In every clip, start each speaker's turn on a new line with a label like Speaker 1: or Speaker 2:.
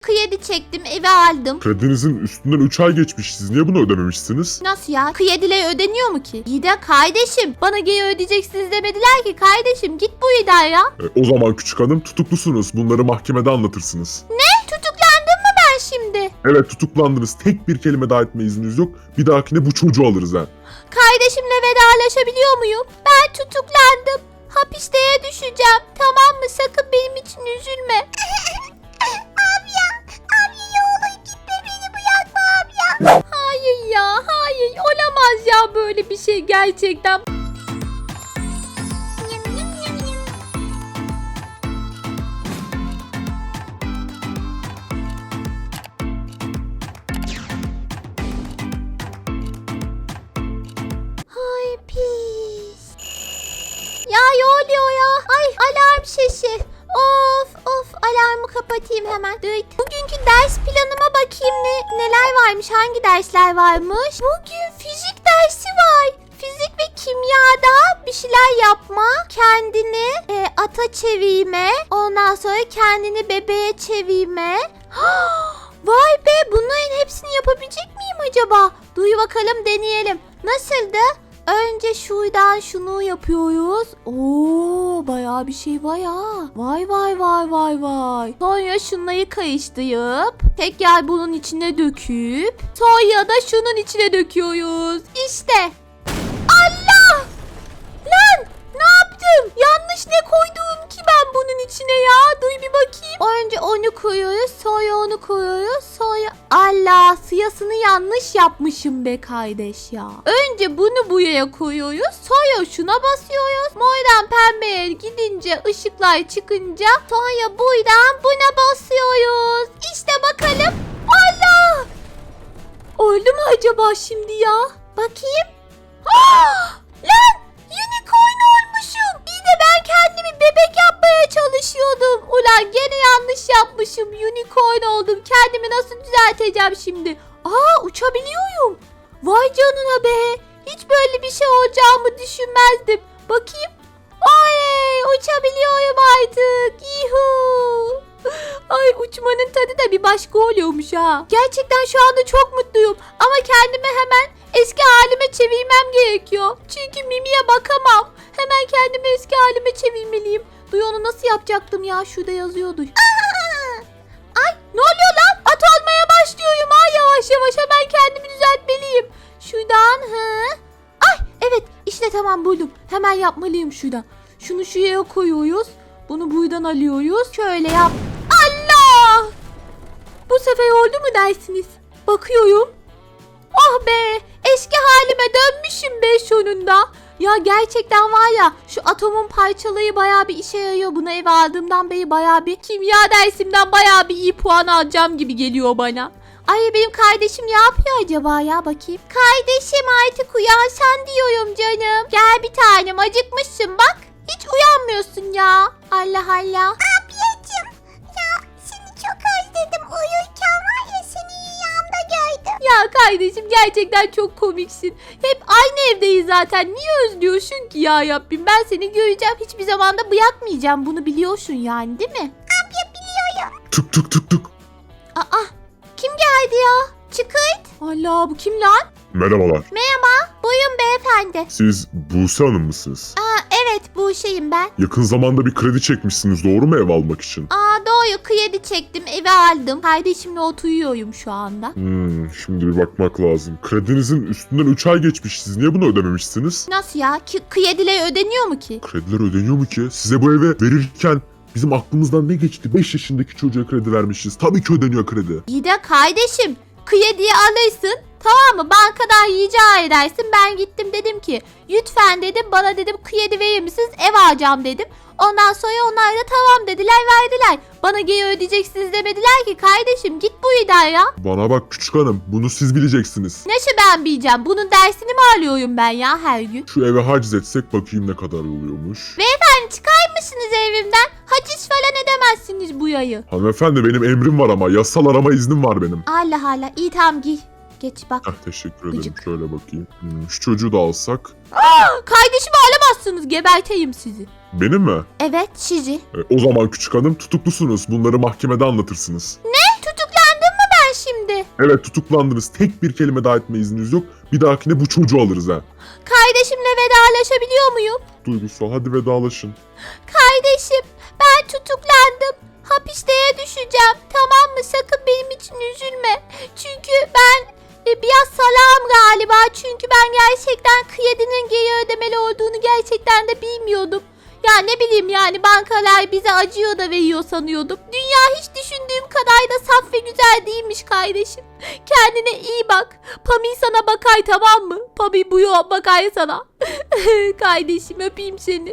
Speaker 1: kredi çektim, eve aldım.
Speaker 2: Kredinizin üstünden 3 ay geçmiş. Siz niye bunu ödememişsiniz?
Speaker 1: Nasıl ya? Krediyle ödeniyor mu ki? İyi de kardeşim, bana geri ödeyeceksiniz demediler ki kardeşim, git bu İda ya.
Speaker 2: O zaman küçük hanım tutuklusunuz. Bunları mahkemede anlatırsınız.
Speaker 1: Tutuklandım mı ben şimdi?
Speaker 2: Evet, tutuklandınız. Tek bir kelime daha etme izniniz yok. Bir dahakine bu çocuğu alırız ha.
Speaker 1: Kardeşimle vedalaşabiliyor muyum? Ben tutuklandım. Hapisteye düşeceğim. Tamam mı? Sakın benim için üzülme. Abi ya oğlum gitme, beni bırakma abi ya. Hayır ya, hayır. Olamaz ya böyle bir şey gerçekten. Ay pis. Ya ne oluyor ya? Ay alarm sesi. Of alarmı kapatayım hemen. Bugünkü ders planıma bakayım neler varmış, hangi dersler varmış. Bugün fizik dersi var. Fizik ve kimyada bir şeyler yapma, kendini ata çevirme, ondan sonra kendini bebeğe çevirme. Vay be, bunların hepsini yapabilecek miyim acaba? Duy bakalım, deneyelim. Nasıldı? Önce şuradan şunu yapıyoruz. Oo, bayağı bir şey var ya. Vay. Sonra şunları karıştırıp tekrar bunun içine döküp sonra da şunun içine döküyoruz. İşte. Allah! Lan! Ne yaptım? Yanlış ne koydum ki ben bunun içine ya? Duy bir bakayım. Önce onu koyuyoruz, sonra onu koyuyoruz, sonra... Allah! Siyasını yanlış yapmışım be kardeş ya. Önce bunu buraya koyuyoruz, sonra şuna basıyoruz. Mordan pembeye gidince, ışıklar çıkınca sonra buradan buna basıyoruz. İşte bakalım. Allah! Oldu mu acaba şimdi ya? Bakayım. Lan! Unicorn olmuşum. Bir de ben kendimi bebek yapmaya çalışıyordum. Ulan gene yanlış yapmışım. Unicorn oldum. Kendimi nasıl düzelteceğim şimdi? Uçabiliyorum. Vay canına be. Hiç böyle bir şey olacağımı düşünmezdim. Bakayım. Ay, uçabiliyorum artık. Yuhuu. Ay, uçmanın tadı da bir başka oluyormuş ha. Gerçekten şu anda çok mutluyum. Ama kendimi hemen eski halime çevirmem gerekiyor. Çünkü Mimi'ye bakamam. Hemen kendimi eski halime çevirmeliyim. Duy, onu nasıl yapacaktım ya? Şurada yazıyordu. Ay, ne oluyor lan? At olmaya başlıyorum ha, yavaş yavaş. Hemen kendimi düzeltmeliyim. Şuradan Ay, evet işte tamam, buldum. Hemen yapmalıyım şuradan. Şunu şuraya koyuyoruz. Bunu buradan alıyoruz. Şöyle yap. Allah! Bu sefer oldu mu dersiniz? Bakıyorum. Oh be! Eski halime dönmüşüm be sonunda. Ya gerçekten var ya, şu atomun parçaları bayağı bir işe yarıyor. Bunu eve aldığımdan beri bayağı bir kimya dersimden bayağı bir iyi puan alacağım gibi geliyor bana. Ay, benim kardeşim ne yapıyor acaba ya, bakayım. Kardeşim artık uyansan diyorum canım. Gel bir tanem, acıkmışsın bak. Hiç uyanmıyorsun ya. Allah Allah. Ablacığım ya, seni çok özledim. Uyurken var ya, seni rüyamda gördüm. Ya kardeşim, gerçekten çok komiksin. Hep aynı evdeyiz zaten. Niye özlüyorsun ki ya Rabbim? Ben seni göreceğim. Hiçbir zaman da bırakmayacağım. Bunu biliyorsun yani, değil mi? Abla biliyorum.
Speaker 2: Tık tık tık tık.
Speaker 1: Kim geldi ya? Çıkırt. Allah, bu kim lan?
Speaker 2: Merhabalar.
Speaker 1: Buyurun beyefendi.
Speaker 2: Siz Buse Hanım mısınız?
Speaker 1: Evet, bu şeyim ben.
Speaker 2: Yakın zamanda bir kredi çekmişsiniz, doğru mu, ev almak için?
Speaker 1: Doğru, kredi çektim, eve aldım. Kardeşimle oturuyorum şu anda.
Speaker 2: Şimdi bir bakmak lazım. Kredinizin üstünden 3 ay geçmiş. Siz niye bunu ödememişsiniz?
Speaker 1: Nasıl ya? Krediler ödeniyor mu ki?
Speaker 2: Krediler ödeniyor mu ki? Size bu eve verirken bizim aklımızdan ne geçti? 5 yaşındaki çocuğa kredi vermişiz. Tabii ki ödeniyor kredi.
Speaker 1: İyi de kardeşim, krediyi alırsın. Tamam mı? Bankadan rica edersin. Ben gittim, dedim ki lütfen dedim, bana dedim kredi verir misiniz? Ev alacağım dedim. Ondan sonra onlar da tamam dediler, verdiler. Bana geri ödeyeceksiniz demediler ki kardeşim, git buradan ya.
Speaker 2: Bana bak küçük hanım, bunu siz bileceksiniz.
Speaker 1: Nasıl ben bileceğim? Bunun dersini mi alıyorum ben ya her gün?
Speaker 2: Şu eve haciz etsek bakayım ne kadar oluyormuş.
Speaker 1: Beyefendi, çıkar mısınız evimden? Haciz falan edemezsiniz bu yayı.
Speaker 2: Hanımefendi, benim emrim var ama yasal arama iznim var benim.
Speaker 1: Allah Allah, iyi tamam, giy. Geç bak.
Speaker 2: Teşekkür ederim.
Speaker 1: Gıcık.
Speaker 2: Şöyle bakayım. Şu çocuğu da alsak.
Speaker 1: Kardeşimi alamazsınız, geberteyim sizi.
Speaker 2: Benim mi?
Speaker 1: Evet, sizi.
Speaker 2: O zaman küçük hanım tutuklusunuz. Bunları mahkemede anlatırsınız.
Speaker 1: Tutuk şimdi?
Speaker 2: Evet, tutuklandınız. Tek bir kelime daha etme izniniz yok. Bir dahakine bu çocuğu alırız ha.
Speaker 1: Kardeşimle vedalaşabiliyor muyum?
Speaker 2: Duygusal, hadi vedalaşın.
Speaker 1: Kardeşim, ben tutuklandım. Hapisteye düşeceğim. Tamam mı? Sakın benim için üzülme. Çünkü ben biraz salağım galiba. Çünkü ben gerçekten kredinin geri ödemeli olduğunu gerçekten de bilmiyordum. Ya ne bileyim yani, bankalar bize acıyor da veriyor sanıyordum. Dünya hiç düşündüğüm kadar da saf ve güzel değilmiş kardeşim. Kendine iyi bak. Pami sana bakay, tamam mı? Pami bu yol bakay sana. Kardeşim, öpeyim seni.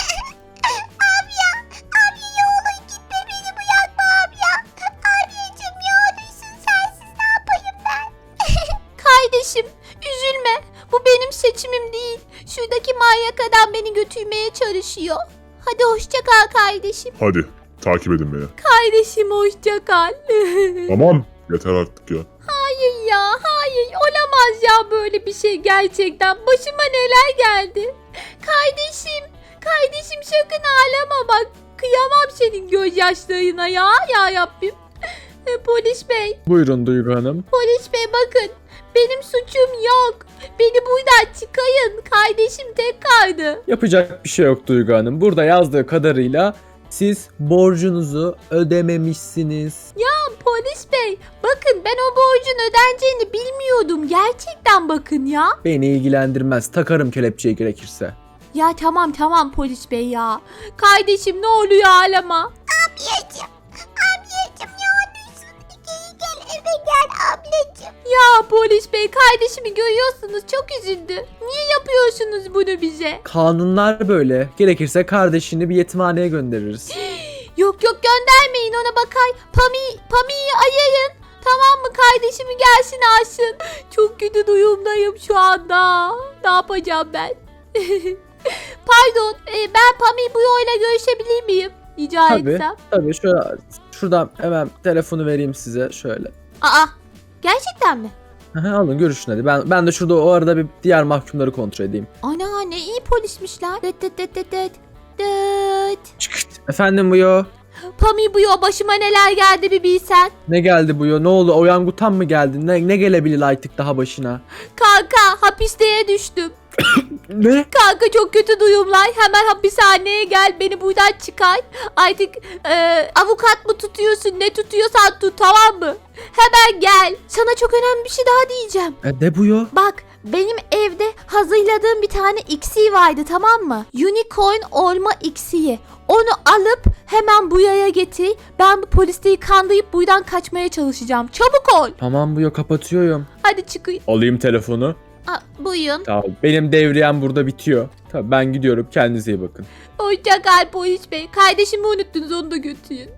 Speaker 1: Kardeşim, üzülme. Bu benim seçimim değil. Şuradaki manyak adam beni götürmeye çalışıyor. Hadi hoşça kal kardeşim.
Speaker 2: Hadi, takip edin beni.
Speaker 1: Kardeşim, hoşça kal.
Speaker 2: Tamam, yeter artık ya.
Speaker 1: Hayır ya, hayır. Olamaz ya böyle bir şey gerçekten. Başıma neler geldi. Kardeşim sakın ağlama bak. Kıyamam senin gözyaşlarına ya. Ya Rabbim. Polis bey.
Speaker 3: Buyurun Duygu Hanım.
Speaker 1: Polis bey bakın. Benim suçum yok. Beni buradan çıkayın. Kardeşim tek kaldı.
Speaker 3: Yapacak bir şey yok Duygu Hanım. Burada yazdığı kadarıyla siz borcunuzu ödememişsiniz.
Speaker 1: Polis bey bakın, ben o borcun ödeneceğini bilmiyordum. Gerçekten bakın ya.
Speaker 3: Beni ilgilendirmez. Takarım kelepçeyi gerekirse.
Speaker 1: Ya tamam polis bey ya. Kardeşim ne oluyor, ağlama. Ablacım ne olursun. Gel eve gel ablacım. Ya polis bey, kardeşimi görüyorsunuz, çok üzüldü. Niye yapıyorsunuz bunu bize?
Speaker 3: Kanunlar böyle. Gerekirse kardeşini bir yetimhaneye göndeririz.
Speaker 1: Yok göndermeyin ona, bakay. Pami'yi ayırın. Tamam mı, kardeşimi gelsin alsın. Çok kötü duyumdayım şu anda. Ne yapacağım ben? Pardon, ben Pami bu yoyla görüşebilir miyim? Rica etsem.
Speaker 3: Tabii şuradan hemen telefonu vereyim size şöyle.
Speaker 1: Aa, gerçekten mi?
Speaker 3: Aha, alın görüşün hadi. Ben de şurada o arada bir diğer mahkumları kontrol edeyim.
Speaker 1: Ana, ne iyi polismişler. Dıt.
Speaker 3: Çıkırt. Efendim Buyo.
Speaker 1: Pami bu yo, başıma neler geldi bir bilsen.
Speaker 3: Ne geldi Buyo? Ne oldu? Oyangutan mı geldi? Ne gelebilir artık daha başına?
Speaker 1: Kanka, hapisteye düştüm.
Speaker 3: Ne?
Speaker 1: Kanka, çok kötü duyumlar. Hemen hapishaneye gel, beni buradan çıkar. Artık avukat mı tutuyorsun, ne tutuyorsan tut, tamam mı? Hemen gel. Sana çok önemli bir şey daha diyeceğim.
Speaker 3: Ne Buyo?
Speaker 1: Bak, benim evde hazırladığım bir tane iksir vardı, tamam mı? Unicorn olma iksiri. Onu alıp hemen bu yaya getir. Ben bu polisleri kandırıp buradan kaçmaya çalışacağım. Çabuk ol.
Speaker 3: Tamam Buyo, kapatıyorum.
Speaker 1: Hadi çıkın.
Speaker 3: Alayım telefonu.
Speaker 1: Buyurun.
Speaker 3: Tamam. Benim devriyem burada bitiyor. Tamam, ben gidiyorum. Kendinize iyi bakın.
Speaker 1: Hoşça kal polis bey. Kardeşimi unuttunuz, onu da götürün.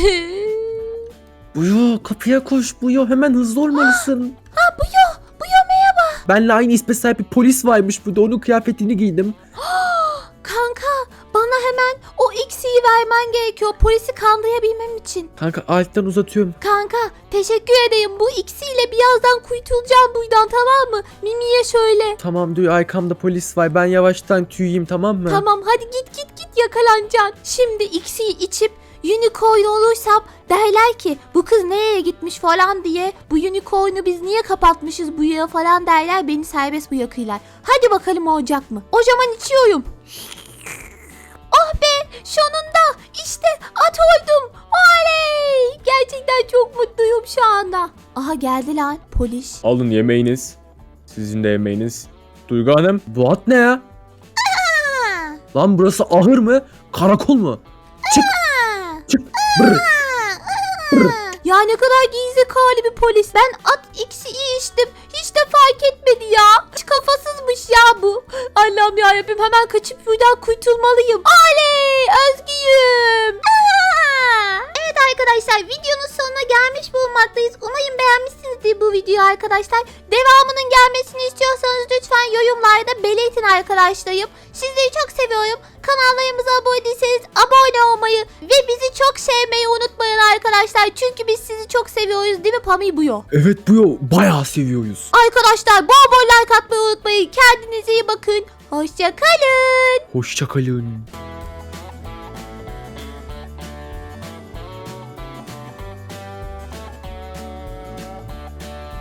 Speaker 3: Buyo, kapıya koş Buyo. Hemen hızlı olmalısın.
Speaker 1: Buyo merhaba.
Speaker 3: Benle aynı isme sahip bir polis varmış burada. Onun kıyafetini giydim.
Speaker 1: Kanka, bana hemen o iksiri vermen gerekiyor polisi kandırabilmem için.
Speaker 3: Kanka alttan uzatıyorum.
Speaker 1: Kanka, teşekkür ederim. Bu iksirle birazdan kurtulacağım buradan, tamam mı? Mimi'ye söyle.
Speaker 3: Tamam diyor, arkamda polis var. Ben yavaştan tüyeyim, tamam mı?
Speaker 1: Tamam, hadi git yakalanacaksın. Şimdi iksiri içip unicorn olursam derler ki bu kız nereye gitmiş falan diye, bu unicorn'u biz niye kapatmışız bu yere falan derler, beni serbest bırakırlar. Hadi bakalım olacak mı? O zaman içiyorum. Oh be, sonunda işte at oldum. Oley! Gerçekten çok mutluyum şu anda. Aha, geldi lan polis.
Speaker 3: Alın yemeğiniz. Sizin de yemeğiniz. Duygu Hanım, bu at ne ya? Lan burası ahır mı? Karakol mu? Çık. Brr.
Speaker 1: Ya ne kadar gizli bir polis. Ben at iksiri içtim. Hiç de fark etmedi ya. Hiç kafasızmış ya bu. Allah'ım yarabbim, hemen kaçıp buradan kurtulmalıyım. Oley! Özgürüm. Evet arkadaşlar, videonun sonuna gelmiş bulunmaktayız. Umarım beğenmişsinizdir bu videoyu arkadaşlar. Devamının gelmesini istiyorsanız lütfen yorumlarda belirtin arkadaşlarım. Sizleri çok seviyorum. Kanallarımıza abone değilseniz abone olmayı ve bizi çok sevmeyi unutmayın arkadaşlar. Çünkü biz sizi çok seviyoruz, değil mi Pami Buyo?
Speaker 3: Evet Buyo, bayağı seviyoruz.
Speaker 1: Arkadaşlar bol bol like atmayı unutmayın. Kendinize iyi bakın. Hoşça kalın.
Speaker 3: Hoşça kalın.